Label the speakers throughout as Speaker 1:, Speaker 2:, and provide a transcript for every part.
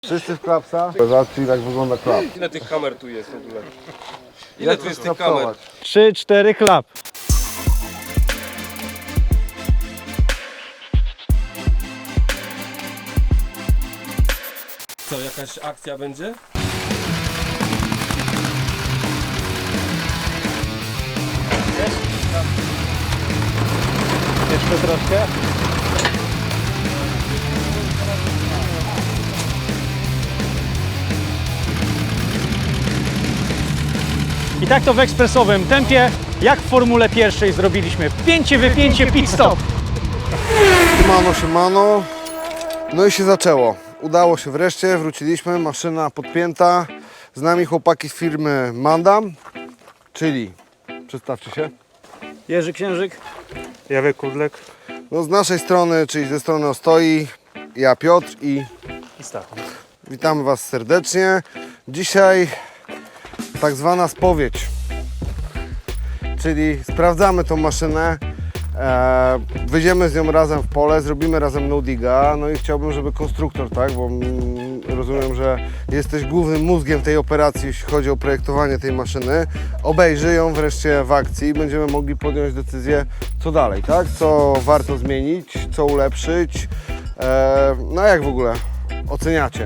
Speaker 1: Wszyscy w klapsa? Zobaczcie, jak wygląda klap.
Speaker 2: Ile tych kamer tu jest w ogóle? Ile tu jest tych kamer?
Speaker 3: 3-4 klap.
Speaker 2: Co, jakaś akcja będzie?
Speaker 3: Jeszcze troszkę. I tak to w ekspresowym tempie, jak w Formule pierwszej zrobiliśmy. Wpięcie, wypięcie, pit stop.
Speaker 1: Siemano. No i się zaczęło. Udało się wreszcie, wróciliśmy, maszyna podpięta. Z nami chłopaki z firmy Mandam, czyli, przedstawcie się.
Speaker 3: Jerzy Księżyk.
Speaker 4: Jawek Kudlek.
Speaker 1: No z naszej strony, czyli ze strony Ostoi, ja Piotr i
Speaker 4: Stachu.
Speaker 1: witamy Was serdecznie. Dzisiaj tak zwana spowiedź, czyli sprawdzamy tą maszynę, wyjdziemy z nią razem w pole, zrobimy razem no-diga, no i chciałbym, żeby konstruktor, tak, bo rozumiem, że jesteś głównym mózgiem tej operacji, jeśli chodzi o projektowanie tej maszyny, obejrzy ją wreszcie w akcji i będziemy mogli podjąć decyzję, co dalej, tak, co warto zmienić, co ulepszyć, no jak w ogóle oceniacie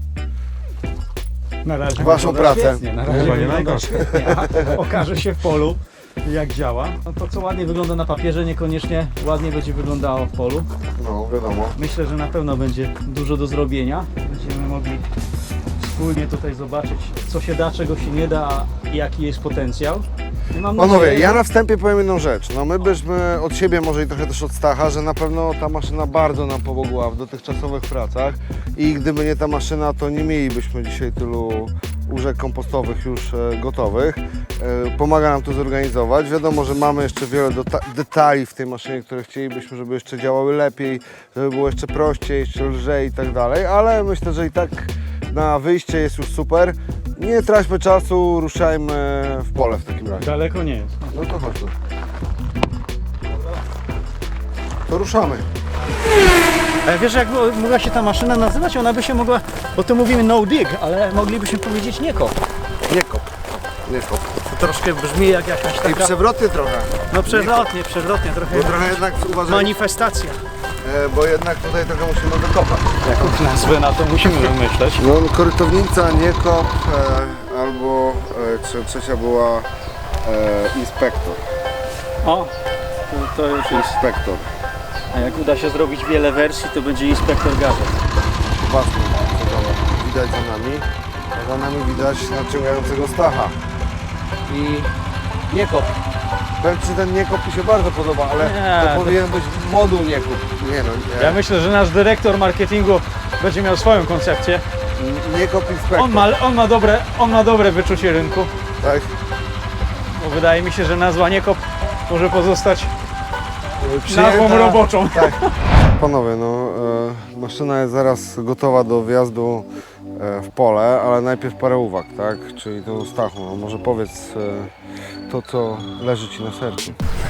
Speaker 3: Na razie
Speaker 1: Waszą
Speaker 3: wygląda
Speaker 1: pracę?
Speaker 3: świetnie, na razie
Speaker 4: Chyba nie
Speaker 3: wygląda
Speaker 4: najgorsze.
Speaker 3: świetnie, a okaże się w polu, jak działa. No to, co ładnie wygląda na papierze, niekoniecznie ładnie będzie wyglądało w polu.
Speaker 1: No wiadomo.
Speaker 3: Myślę, że na pewno będzie dużo do zrobienia. Będziemy mogli wspólnie tutaj zobaczyć, co się da, czego się nie da i jaki jest potencjał. I mam
Speaker 1: Panowie,
Speaker 3: nadzieję,
Speaker 1: ja na wstępie powiem jedną rzecz. No my byśmy od siebie, może i trochę też od Stacha, że na pewno ta maszyna bardzo nam pomogła w dotychczasowych pracach i gdyby nie ta maszyna, to nie mielibyśmy dzisiaj tylu łóżek kompostowych już gotowych. Pomaga nam to zorganizować. Wiadomo, że mamy jeszcze wiele detali w tej maszynie, które chcielibyśmy, żeby jeszcze działały lepiej, żeby było jeszcze prościej, jeszcze lżej i tak dalej, ale myślę, że i tak na wyjście jest już super. Nie traćmy czasu, ruszajmy w pole w takim razie.
Speaker 3: daleko nie jest.
Speaker 1: No to chodźmy. To ruszamy.
Speaker 3: Ale wiesz, jak mogła się ta maszyna nazywać? Ona by się mogła, bo to mówimy no dig, ale moglibyśmy powiedzieć nie kop.
Speaker 1: Nie kop. Nie kop.
Speaker 3: To troszkę brzmi jak jakaś
Speaker 1: I
Speaker 3: taka...
Speaker 1: przewroty trochę.
Speaker 3: No przewrotnie, trochę
Speaker 1: Bo trochę jednak uważaj,
Speaker 3: manifestacja.
Speaker 1: bo jednak tutaj trochę musimy wykopać.
Speaker 3: Jaką nazwę na to musimy wymyśleć.
Speaker 1: No korytownica, nie kop, albo trzecia była inspektor.
Speaker 3: O, to już jest.
Speaker 1: Inspektor.
Speaker 3: A jak uda się zrobić wiele wersji, to będzie inspektor gadżet.
Speaker 1: Właśnie, widać za nami. A za nami widać nadciągającego Stacha.
Speaker 3: I nie kop.
Speaker 1: Powiem Ci, ten niekop mi się bardzo podoba, ale
Speaker 3: Nie,
Speaker 1: to
Speaker 3: to-
Speaker 1: powinien być moduł niekop. Nie no, nie.
Speaker 3: Ja myślę, że nasz dyrektor marketingu będzie miał swoją koncepcję.
Speaker 1: Niekop inspektor.
Speaker 3: On ma dobre wyczucie rynku,
Speaker 1: Tak?
Speaker 3: bo wydaje mi się, że nazwa nie kop może pozostać
Speaker 1: Przyjęta.
Speaker 3: nazwą roboczą.
Speaker 1: Tak. Panowie, no maszyna jest zaraz gotowa do wjazdu w pole, ale najpierw parę uwag, tak? Czyli to Stachu, no może powiedz to, co leży Ci na sercu.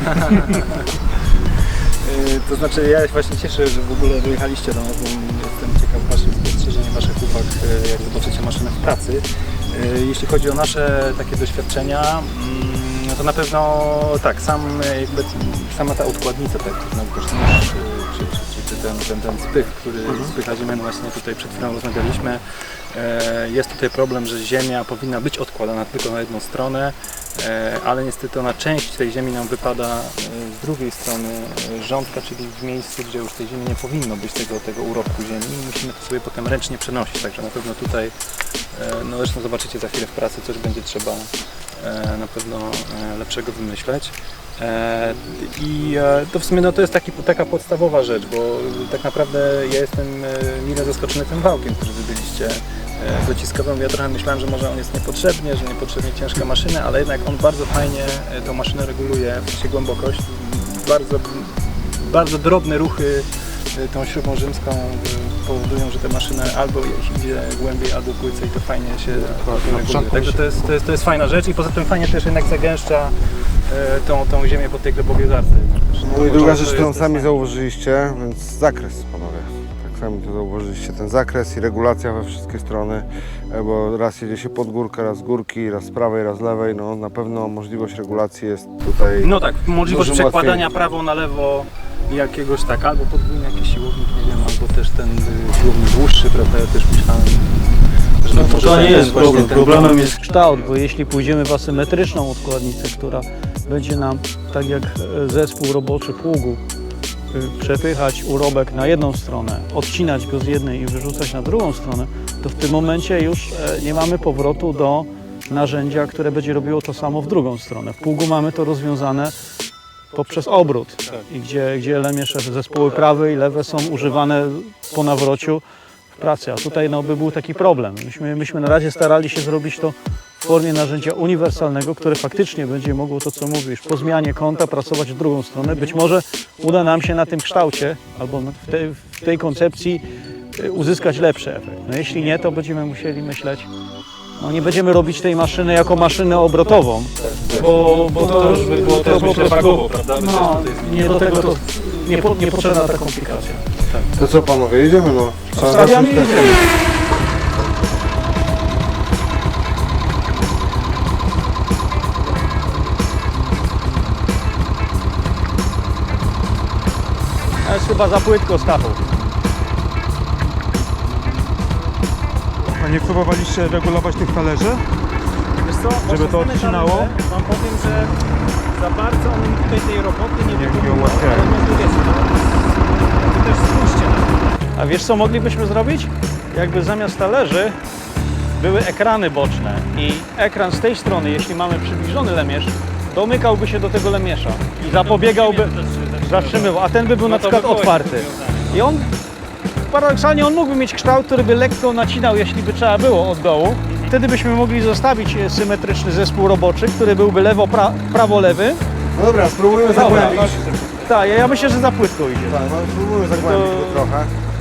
Speaker 4: To znaczy ja się właśnie cieszę, że w ogóle dojechaliście do nas, bo jestem ciekaw Waszych spostrzeżeń, Waszych uwag, jak zobaczycie maszynę w pracy. Jeśli chodzi o nasze takie doświadczenia, no to na pewno tak, sama ta odkładnica, tak, to znaczy nóż, czy ten spych, który spycha ziemię, no właśnie tutaj przed chwilą rozmawialiśmy. Jest tutaj problem, że ziemia powinna być odkładana tylko na jedną stronę, ale niestety ona część tej ziemi nam wypada z drugiej strony rządka, czyli w miejscu, gdzie już tej ziemi nie powinno być, tego urobku ziemi i musimy to sobie potem ręcznie przenosić, także na pewno tutaj, no zresztą zobaczycie za chwilę w pracy, coś będzie trzeba na pewno lepszego wymyśleć. To w sumie no, to jest taka podstawowa rzecz, bo tak naprawdę ja jestem mile zaskoczony tym wałkiem, który wybyliście dociskowym. Ja trochę myślałem, że może on jest niepotrzebnie, że niepotrzebnie ciężka maszyna, ale jednak on bardzo fajnie tą maszynę reguluje, w sensie głębokość. Bardzo drobne ruchy tą śrubą rzymską powodują, że ta maszyna albo idzie głębiej, albo płycej i to fajnie się reguluje. Także to jest fajna rzecz i poza tym fajnie też jednak zagęszcza tą ziemię po tej glebowej zarce.
Speaker 1: No i druga rzecz, którą sami zauważyliście, więc zakres, panowie. Tak Sami to zauważyliście, ten zakres i regulacja we wszystkie strony, bo raz jedzie się pod górkę, raz z górki, raz z prawej, raz z lewej, no na pewno możliwość regulacji jest tutaj.
Speaker 4: No tak, możliwość
Speaker 1: dużym
Speaker 4: przekładania
Speaker 1: łatwiej.
Speaker 4: prawo na lewo jakiegoś tak, albo podwójny jakiś siłownik, nie wiem, albo też ten siłownik dłuższy, prawda, ja też myślałem, że
Speaker 3: No
Speaker 4: może
Speaker 3: to nie
Speaker 4: ten
Speaker 3: jest
Speaker 4: właśnie
Speaker 3: problem.
Speaker 4: ten
Speaker 3: Problemem jest kształt, bo jeśli pójdziemy w asymetryczną odkładnicę, która będzie nam, tak jak zespół roboczy pługu, przepychać urobek na jedną stronę, odcinać go z jednej i wyrzucać na drugą stronę, to w tym momencie już nie mamy powrotu do narzędzia, które będzie robiło to samo w drugą stronę. W pługu mamy to rozwiązane poprzez obrót, i gdzie lemiesze, zespoły prawe i lewe są używane po nawrociu w pracy, a tutaj no, by był taki problem. Myśmy na razie starali się zrobić to w formie narzędzia uniwersalnego, które faktycznie będzie mogło to, co mówisz, po zmianie kąta pracować w drugą stronę. Być może uda nam się na tym kształcie albo w tej koncepcji uzyskać lepszy efekt. No, jeśli nie, to będziemy musieli myśleć, no, nie będziemy robić tej maszyny jako maszynę obrotową, bo to już by było też myślę wagowo, prawda? No, nie do tego to niepotrzebna ta komplikacja.
Speaker 1: To co panowie, jedziemy no. Trzeba
Speaker 3: Stawiamy i
Speaker 1: zacząć
Speaker 3: jedziemy. To jest chyba za płytko, Stachu.
Speaker 5: A nie próbowaliście regulować tych talerzy?
Speaker 4: Wiesz co,
Speaker 5: Żeby to odcinało?
Speaker 4: Wam powiem, że za bardzo one mi tutaj tej roboty nie
Speaker 5: Nie
Speaker 4: wykonują,
Speaker 5: ułatwiają.
Speaker 4: ale no wiecie, no, też spójrzcie na to.
Speaker 3: A wiesz co moglibyśmy zrobić? Jakby zamiast talerzy były ekrany boczne i ekran z tej strony, jeśli mamy przybliżony lemierz, domykałby się do tego lemierza i zapobiegałby, zatrzymywał, a ten by był na przykład otwarty. I on, paradoksalnie on mógłby mieć kształt, który by lekko nacinał, jeśli by trzeba było od dołu. Wtedy byśmy mogli zostawić symetryczny zespół roboczy, który byłby lewo-prawo-lewy.
Speaker 1: No dobra, spróbujmy zagłębić.
Speaker 3: Tak, ja myślę, że za płytko idzie.
Speaker 1: Tak, no spróbujmy zagłębić go trochę.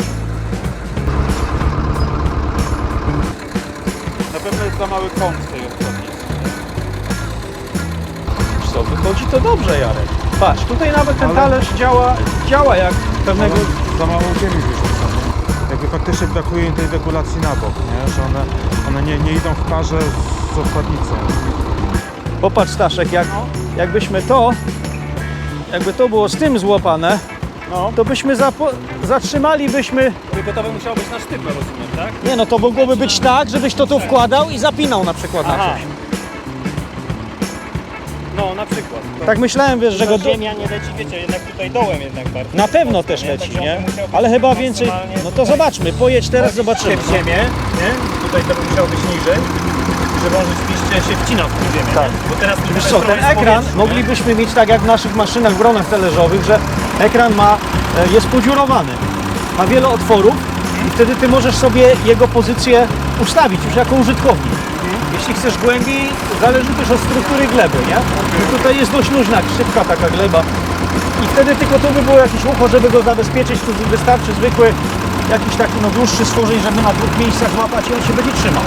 Speaker 5: Na pewno jest za mały kąt tej odkładnicy.
Speaker 3: Wiesz co, wychodzi to dobrze, Jarek. Patrz, tutaj nawet ten
Speaker 5: Ale-
Speaker 3: talerz działa jak pewnego...
Speaker 5: Za mało ziemi wyrzuca. Jakby faktycznie brakuje im tej regulacji na bok, nie? Że one nie idą w parze z odkładnicą.
Speaker 3: Popatrz, Staszek, jakby to było z tym złapane, to byśmy zatrzymalibyśmy...
Speaker 4: Tylko to by musiało być na sztywno, rozumiem, tak?
Speaker 3: Nie no, to mogłoby być tak, żebyś to tu wkładał i zapinał na przykład na
Speaker 4: Aha.
Speaker 3: coś.
Speaker 4: No, na przykład.
Speaker 3: Tak myślałem, wiesz, że go...
Speaker 6: Ziemia nie leci, wiecie, jednak tutaj dołem jednak bardzo.
Speaker 3: Na pewno też
Speaker 6: Nie?
Speaker 3: leci,
Speaker 6: Także
Speaker 3: nie?
Speaker 6: on musiał być
Speaker 3: Ale chyba więcej...
Speaker 6: maksymalnie
Speaker 3: No to
Speaker 6: tutaj.
Speaker 3: zobaczmy, pojedź teraz, zobaczymy.
Speaker 4: w ziemię, nie? Tutaj to by musiało być niżej, żeby on rzeczywiście się wcinał w tę ziemię,
Speaker 3: Tak.
Speaker 4: nie? Bo teraz
Speaker 3: Wiesz co, ten ekran moglibyśmy mieć tak jak w naszych maszynach w bronach talerzowych, że ekran jest podziurowany, ma wiele otworów i wtedy ty możesz sobie jego pozycję ustawić już jako użytkownik. Jeśli chcesz głębiej, zależy też od struktury gleby, nie? I tutaj jest dość luźna, szybka taka gleba i wtedy tylko tu by było jakieś ucho, żeby go zabezpieczyć, tu wystarczy zwykły jakiś taki no dłuższy stworzeń, żeby na dwóch miejscach złapać i on się będzie trzymał.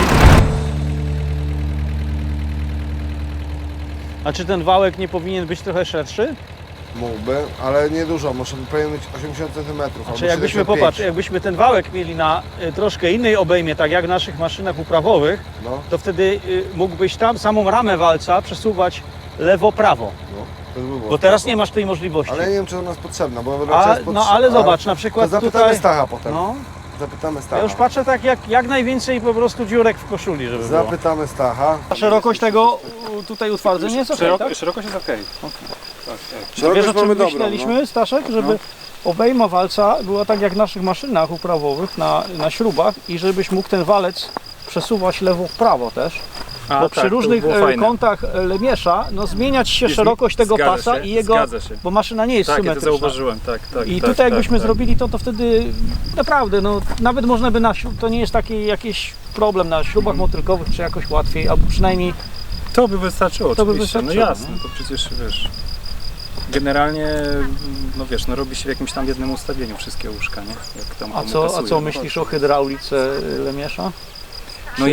Speaker 3: A czy ten wałek nie powinien być trochę szerszy?
Speaker 1: Mógłby, ale nie dużo, może powinien mieć 80 cm.
Speaker 3: Czy jakbyśmy, popatrz, jakbyśmy ten wałek mieli na troszkę innej obejmie, tak jak w naszych maszynach uprawowych,
Speaker 1: No,
Speaker 3: to wtedy mógłbyś tam samą ramę walca przesuwać lewo-prawo.
Speaker 1: no, to by było.
Speaker 3: Bo teraz nie masz tej możliwości.
Speaker 1: Ale ja nie wiem, czy ona jest potrzebna, bo
Speaker 3: A,
Speaker 1: raczej jest
Speaker 3: no ale zobacz, na
Speaker 1: To
Speaker 3: przykład
Speaker 1: zapytamy
Speaker 3: tutaj...
Speaker 1: Stacha potem.
Speaker 3: No,
Speaker 1: Zapytamy Stacha.
Speaker 3: ja już patrzę tak jak najwięcej po prostu dziurek w koszuli, żeby było.
Speaker 1: Zapytamy Stacha.
Speaker 3: A szerokość tego tutaj utwardzenia jest okej, tak?
Speaker 4: Szerokość jest okej.
Speaker 3: Wiesz,
Speaker 1: Szerokość
Speaker 3: o czym
Speaker 1: mamy dobrą,
Speaker 3: myśleliśmy, Staszek? Żeby obejma walca była tak jak w naszych maszynach uprawowych na śrubach i żebyś mógł ten walec przesuwać lewo w prawo też. Bo przy różnych kątach lemiesza zmieniać się szerokość tego pasa i jego,
Speaker 4: Zgadza się.
Speaker 3: bo maszyna nie jest
Speaker 4: Tak, ja to
Speaker 3: symetryczna.
Speaker 4: zauważyłem, tak.
Speaker 3: I tutaj jakbyśmy zrobili to wtedy naprawdę, nawet można by to nie jest taki jakiś problem na śrubach motylkowych, czy jakoś łatwiej, albo przynajmniej
Speaker 4: To by wystarczyło,
Speaker 3: To by
Speaker 4: oczywiście.
Speaker 3: wystarczyło,
Speaker 4: No jasne, to przecież wiesz. Generalnie, no wiesz, robi się w jakimś tam jednym ustawieniu wszystkie łóżka, nie? Jak tam
Speaker 3: A
Speaker 4: komu
Speaker 3: co
Speaker 4: pasuje, no
Speaker 3: myślisz o hydraulice lemiesza?
Speaker 4: No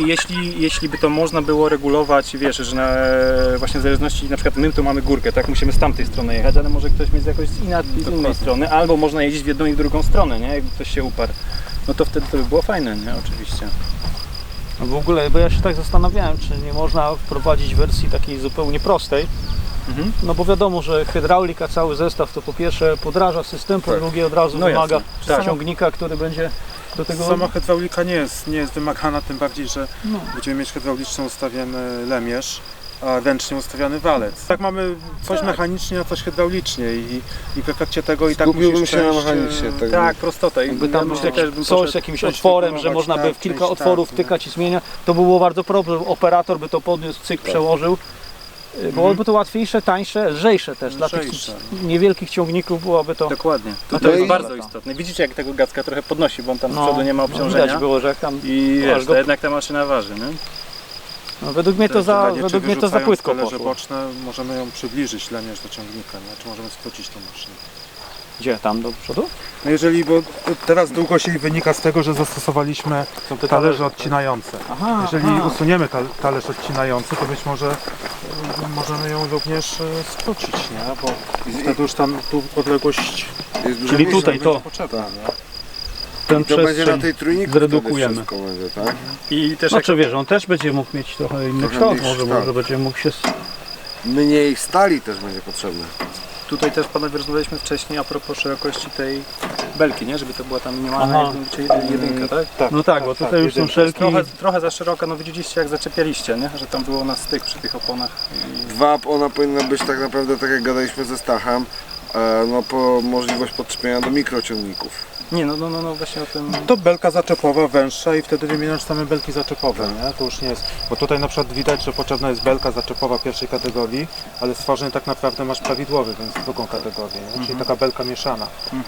Speaker 4: jeśli by to można było regulować, wiesz, że właśnie w zależności, na przykład my tu mamy górkę, tak, musimy z tamtej strony jechać, ale może ktoś mieć jakoś z innej strony, albo można jeździć w jedną i w drugą stronę, nie, jakby ktoś się uparł. No to wtedy to by było fajne, nie, oczywiście.
Speaker 3: No w ogóle, bo ja się tak zastanawiałem, czy nie można wprowadzić wersji takiej zupełnie prostej. No bo wiadomo, że hydraulika, cały zestaw to po pierwsze podraża system, po drugie od razu
Speaker 4: No
Speaker 3: wymaga
Speaker 4: jasne. Tak.
Speaker 3: ciągnika, który będzie do tego...
Speaker 5: Sama hydraulika nie jest wymagana, tym bardziej, że będziemy mieć hydraulicznie ustawiony lemierz, a ręcznie ustawiany walec. Tak mamy coś mechanicznie, a coś hydraulicznie i w efekcie tego i tak
Speaker 1: Skupiłbym
Speaker 5: musisz
Speaker 1: się na
Speaker 5: przejść,
Speaker 1: mechanicznie.
Speaker 4: Tak, prostota.
Speaker 3: Jakby tam
Speaker 4: myślę, też bym
Speaker 3: coś z
Speaker 4: poszedł-
Speaker 3: jakimś
Speaker 5: coś
Speaker 3: otworem, że
Speaker 5: wypróbować,
Speaker 3: można by
Speaker 5: tak,
Speaker 3: w kilka
Speaker 5: część
Speaker 3: otworów
Speaker 5: tak, nie?
Speaker 3: wtykać i zmieniać, to by było bardzo problem. Operator by to podniósł, cyk, przełożył. Byłoby to łatwiejsze, tańsze, lżejsze też. Dla tych
Speaker 5: Lżejsze.
Speaker 3: niewielkich ciągników byłoby to...
Speaker 4: Dokładnie.
Speaker 3: No
Speaker 4: To
Speaker 3: to
Speaker 4: jest
Speaker 3: i-
Speaker 4: bardzo istotne. Widzicie, jak tego Gacka trochę podnosi, bo on tam z
Speaker 3: No,
Speaker 4: przodu nie ma
Speaker 3: widać
Speaker 4: obciążenia.
Speaker 3: było, że jak tam...
Speaker 4: I
Speaker 3: aż
Speaker 4: wiesz,
Speaker 3: go-
Speaker 4: to jednak ta maszyna waży, nie?
Speaker 3: No, według mnie to
Speaker 5: Czy
Speaker 3: za
Speaker 5: wyrzucając
Speaker 3: płytko
Speaker 5: talerze
Speaker 3: poszło.
Speaker 5: boczne możemy ją przybliżyć lemierz do ciągnika, nie? Czy możemy skrócić tą maszynę?
Speaker 3: Gdzie? Tam do przodu?
Speaker 5: No jeżeli, bo teraz długość jej wynika z tego, że zastosowaliśmy talerze odcinające.
Speaker 3: Aha,
Speaker 5: Jeżeli usuniemy talerz odcinający, to być może możemy ją również skrócić, nie? Bo wtedy już tam tu odległość
Speaker 1: Jest dużo
Speaker 3: Czyli
Speaker 1: mniejsza.
Speaker 3: tutaj to,
Speaker 5: potrzebna, nie?
Speaker 3: ten
Speaker 1: To będzie na
Speaker 3: przestrzeń
Speaker 1: tej trójniku
Speaker 3: zredukujemy.
Speaker 1: wtedy wszystko będzie, tak?
Speaker 4: I też
Speaker 3: Znaczy wiesz, on też będzie mógł mieć trochę inny
Speaker 1: Trochę
Speaker 3: kształt,
Speaker 1: mniejszy
Speaker 3: może
Speaker 1: kształt.
Speaker 3: będzie mógł się...
Speaker 1: Mniej stali też będzie potrzebne.
Speaker 4: tutaj też panowie rozmawialiśmy wcześniej a propos szerokości tej belki, nie? Żeby to była tam minimalna
Speaker 3: Aha.
Speaker 4: jedynka, tak?
Speaker 3: No tak, bo tutaj już są szelki.
Speaker 4: Trochę za szeroka, no widzieliście jak zaczepialiście, nie? Że tam było na styk przy tych oponach.
Speaker 1: Ona powinna być tak naprawdę, tak jak gadaliśmy ze Stachem, no po możliwość podczepienia do mikrociągników.
Speaker 4: Nie, no właśnie o tym...
Speaker 5: To belka zaczepowa węższa i wtedy wymieniasz same belki zaczepowe, nie? To już nie jest, bo tutaj na przykład widać, że potrzebna jest belka zaczepowa pierwszej kategorii, ale stworzenie tak naprawdę masz prawidłowy, więc drugą kategorię, nie? Czyli taka belka mieszana.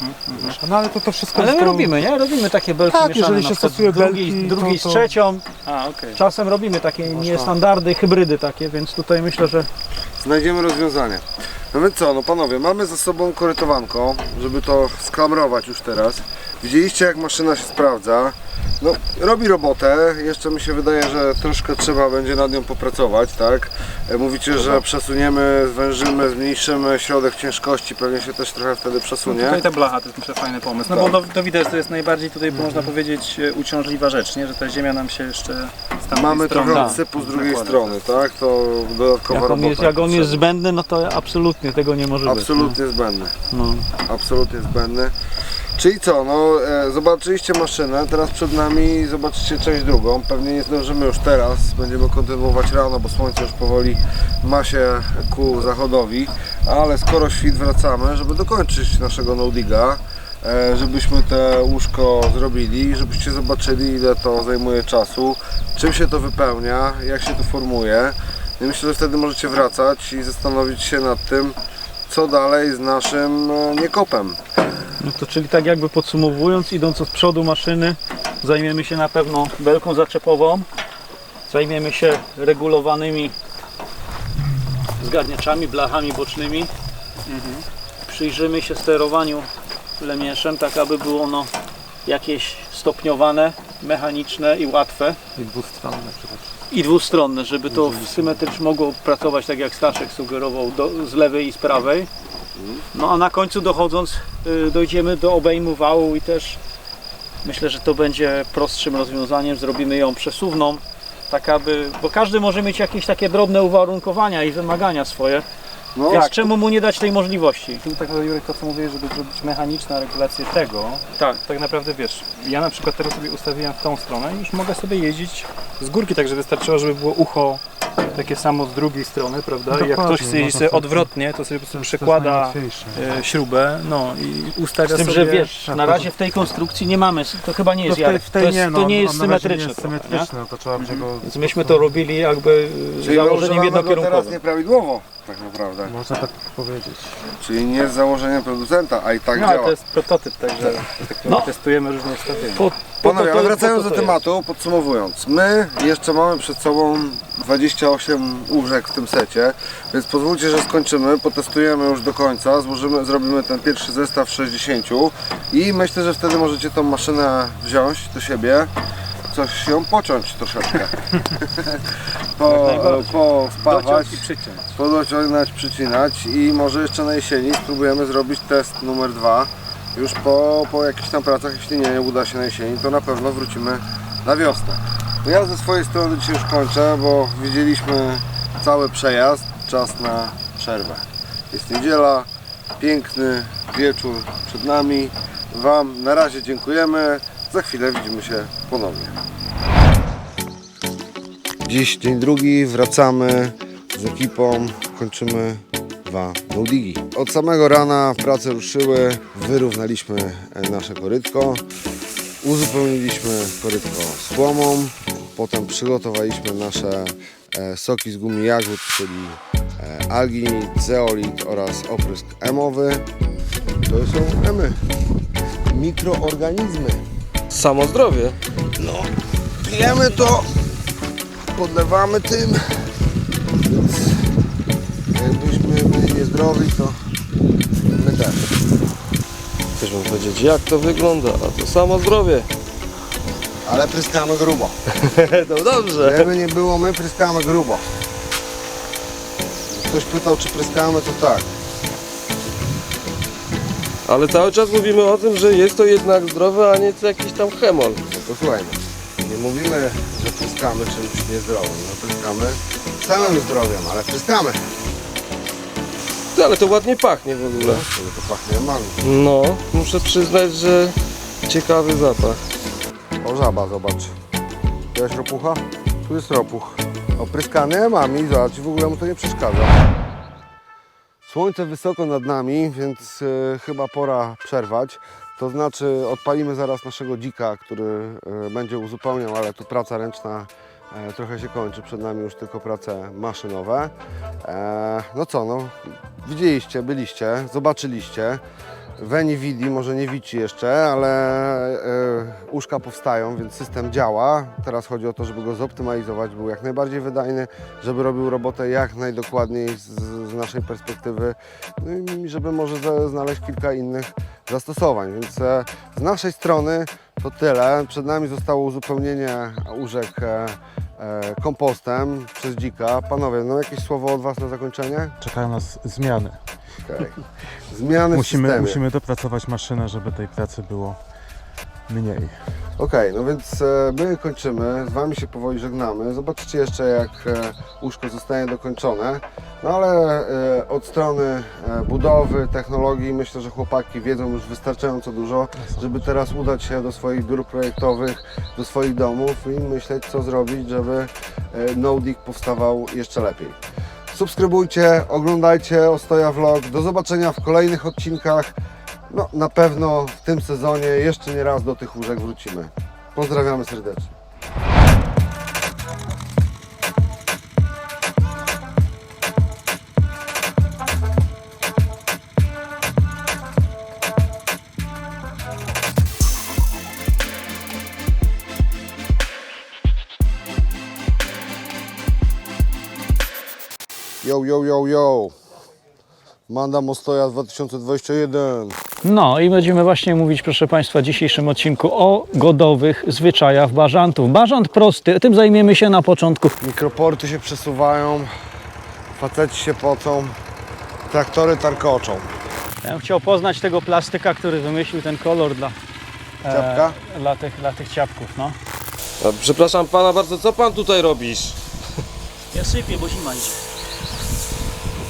Speaker 5: No ale to wszystko
Speaker 3: Ale
Speaker 5: jest
Speaker 3: my
Speaker 5: to-
Speaker 3: robimy, nie? Robimy takie belki
Speaker 5: Tak,
Speaker 3: mieszane,
Speaker 5: jeżeli
Speaker 3: na
Speaker 5: się
Speaker 3: przykład
Speaker 5: stosuje
Speaker 3: drugiej
Speaker 5: belki,
Speaker 3: z
Speaker 5: to-
Speaker 3: trzecią.
Speaker 4: A, okej.
Speaker 3: Czasem robimy takie niestandardy, hybrydy takie, więc tutaj myślę, że
Speaker 1: Znajdziemy rozwiązanie. No więc co, no panowie, mamy za sobą korytowanko, żeby to sklamrować już teraz. Widzieliście jak maszyna się sprawdza. No, robi robotę, jeszcze mi się wydaje, że troszkę trzeba będzie nad nią popracować, tak? Mówicie, że przesuniemy, zwężymy, zmniejszymy środek ciężkości, pewnie się też trochę wtedy przesunie.
Speaker 4: Tutaj ta blacha to jest myślę fajny pomysł. No
Speaker 1: Tak.
Speaker 4: bo to widać, to jest najbardziej tutaj można powiedzieć uciążliwa rzecz, nie? Że ta ziemia nam się jeszcze z tamtej
Speaker 1: Mamy
Speaker 4: strony...
Speaker 1: trochę odsypu z drugiej
Speaker 4: Zakłada.
Speaker 1: strony, tak? To dodatkowa robota.
Speaker 3: jak on jest
Speaker 1: potrzebna.
Speaker 3: zbędny, no to absolutnie tego nie może
Speaker 1: Absolutnie zbędny.
Speaker 3: być. No.
Speaker 1: Absolutnie zbędny. Czyli co, no zobaczyliście maszynę, teraz przed nami zobaczycie część drugą. Pewnie nie zdążymy już teraz, będziemy kontynuować rano, bo słońce już powoli ma się ku zachodowi. Ale skoro świt wracamy, żeby dokończyć naszego no-diga, żebyśmy te łóżko zrobili, żebyście zobaczyli ile to zajmuje czasu, czym się to wypełnia, jak się to formuje. I myślę, że wtedy możecie wracać i zastanowić się nad tym, co dalej z naszym niekopem.
Speaker 3: No to czyli tak jakby podsumowując, idąc od przodu maszyny, zajmiemy się na pewno belką zaczepową, zajmiemy się regulowanymi zgarniaczami, blachami bocznymi, przyjrzymy się sterowaniu lemieszem, tak aby było ono jakieś stopniowane, mechaniczne i łatwe.
Speaker 5: I dwustronne przede wszystkim.
Speaker 3: I dwustronne, żeby to symetrycznie mogło pracować tak jak Staszek sugerował, z lewej i z prawej. No a na końcu dochodząc dojdziemy do obejmu wału i też myślę, że to będzie prostszym rozwiązaniem. Zrobimy ją przesuwną, tak aby, bo każdy może mieć jakieś takie drobne uwarunkowania i wymagania swoje,
Speaker 1: No,
Speaker 3: więc czemu mu nie dać tej możliwości?
Speaker 4: Tu tak naprawdę Jurek to co mówię, żeby zrobić mechaniczną regulację tego, tak naprawdę wiesz, ja na przykład teraz sobie ustawiłem w tą stronę i już mogę sobie jeździć z górki, także wystarczyło, żeby było ucho takie samo z drugiej strony, prawda? I jak
Speaker 5: Dokładnie,
Speaker 4: ktoś chce jeździć
Speaker 5: można
Speaker 4: sobie
Speaker 5: sobie-
Speaker 4: odwrotnie, to sobie po prostu
Speaker 5: To jest
Speaker 4: przekłada
Speaker 5: najłatwiejsze.
Speaker 4: śrubę, no i ustawia
Speaker 3: Z tym,
Speaker 4: sobie...
Speaker 3: że wiesz, na razie w tej konstrukcji nie mamy, to chyba nie jest Jarek, to nie jest
Speaker 5: on na razie
Speaker 3: symetryczne.
Speaker 5: nie jest
Speaker 3: trochę, nie?
Speaker 5: symetryczne, no to trzeba będzie go...
Speaker 3: Więc myśmy to robili jakby
Speaker 1: czyli
Speaker 3: założeniem
Speaker 1: używamy go teraz
Speaker 3: jednokierunkowym.
Speaker 1: nieprawidłowo, tak naprawdę.
Speaker 5: Można tak powiedzieć.
Speaker 1: Czyli nie z założeniem producenta, a i tak
Speaker 4: No,
Speaker 1: działa.
Speaker 4: to jest prototyp, także testujemy różne ustawienia.
Speaker 1: Panowie, ale wracając
Speaker 3: po
Speaker 1: do
Speaker 3: to
Speaker 1: tematu, podsumowując. My jeszcze mamy przed sobą 28 łóżek w tym secie, więc pozwólcie, że skończymy, potestujemy już do końca, zrobimy ten pierwszy zestaw 60 i myślę, że wtedy możecie tą maszynę wziąć do siebie coś ją pociąć troszeczkę. Wpawać,
Speaker 4: Dociąć i przyciąć.
Speaker 1: podociągnąć, przycinać i może jeszcze na jesieni spróbujemy zrobić test numer 2. Już po jakichś tam pracach, jeśli nie uda się na jesieni, to na pewno wrócimy na wiosnę. No ja ze swojej strony dzisiaj już kończę, bo widzieliśmy cały przejazd, czas na przerwę. Jest niedziela, piękny wieczór przed nami. Wam na razie dziękujemy, za chwilę widzimy się ponownie. Dziś dzień drugi, wracamy z ekipą, kończymy 2 no-digi. Od samego rana prace ruszyły, wyrównaliśmy nasze korytko, uzupełniliśmy korytko słomą, potem przygotowaliśmy nasze soki z gumi jagód, czyli alginit, zeolit oraz oprysk emowy. To są emy, mikroorganizmy.
Speaker 2: Samo zdrowie.
Speaker 1: No, pijemy to, podlewamy tym, więc jakbyśmy byli niezdrowi, to my też.
Speaker 2: Chcesz wam powiedzieć, jak to wygląda, a to samo zdrowie.
Speaker 1: Ale pryskamy grubo.
Speaker 2: No dobrze.
Speaker 1: Żeby nie było, my pryskamy grubo. Ktoś pytał, czy pryskamy, to tak.
Speaker 2: Ale cały czas mówimy o tym, że jest to jednak zdrowe, a nie jakiś tam chemol.
Speaker 1: No to słuchajmy, nie mówimy, że pryskamy czymś niezdrowym. No pryskamy samym zdrowiem, ale pryskamy.
Speaker 2: Ty, ale to ładnie pachnie w ogóle.
Speaker 1: To pachnie emami.
Speaker 2: No, muszę przyznać, że ciekawy zapach.
Speaker 1: O, żaba, zobacz. Widziałeś ropucha? Tu jest ropuch. Opryskany emami, zobacz, w ogóle mu to nie przeszkadza. Słońce wysoko nad nami, więc chyba pora przerwać. To znaczy odpalimy zaraz naszego dzika, który będzie uzupełniał, ale tu praca ręczna trochę się kończy. Przed nami już tylko prace maszynowe. No co, no widzieliście, byliście, zobaczyliście. Weni widzi, może nie widzi jeszcze, ale uszka powstają, więc system działa. Teraz chodzi o to, żeby go zoptymalizować, był jak najbardziej wydajny, żeby robił robotę jak najdokładniej z naszej perspektywy, no i żeby może znaleźć kilka innych zastosowań. Więc z naszej strony to tyle. Przed nami zostało uzupełnienie łóżek kompostem przez dzika. Panowie, no jakieś słowo od Was na zakończenie?
Speaker 5: Czekają nas zmiany.
Speaker 1: Okay. Zmiany w systemie.
Speaker 5: Musimy dopracować maszynę, żeby tej pracy było mniej.
Speaker 1: Okej, no więc my kończymy, z Wami się powoli żegnamy. Zobaczycie jeszcze, jak łóżko zostanie dokończone. No ale od strony budowy, technologii myślę, że chłopaki wiedzą już wystarczająco dużo, żeby teraz udać się do swoich biur projektowych, do swoich domów i myśleć, co zrobić, żeby no-dig powstawał jeszcze lepiej. Subskrybujcie, oglądajcie Ostoja Vlog. Do zobaczenia w kolejnych odcinkach. No, na pewno w tym sezonie jeszcze nie raz do tych łóżek wrócimy. Pozdrawiamy serdecznie. Yo, yo, yo, yo. Manda Ostoja 2021.
Speaker 3: No i będziemy właśnie mówić, proszę Państwa, w dzisiejszym odcinku o godowych zwyczajach bażantów. Bażant prosty, tym zajmiemy się na początku.
Speaker 1: Mikroporty się przesuwają, faceci się pocą, traktory tarkoczą.
Speaker 3: Ja bym chciał poznać tego plastyka, który wymyślił ten kolor
Speaker 1: Ciapka?
Speaker 3: dla tych ciapków, no.
Speaker 2: A, przepraszam pana bardzo, co pan tutaj robisz?
Speaker 6: Ja sypię, bo zima idzie.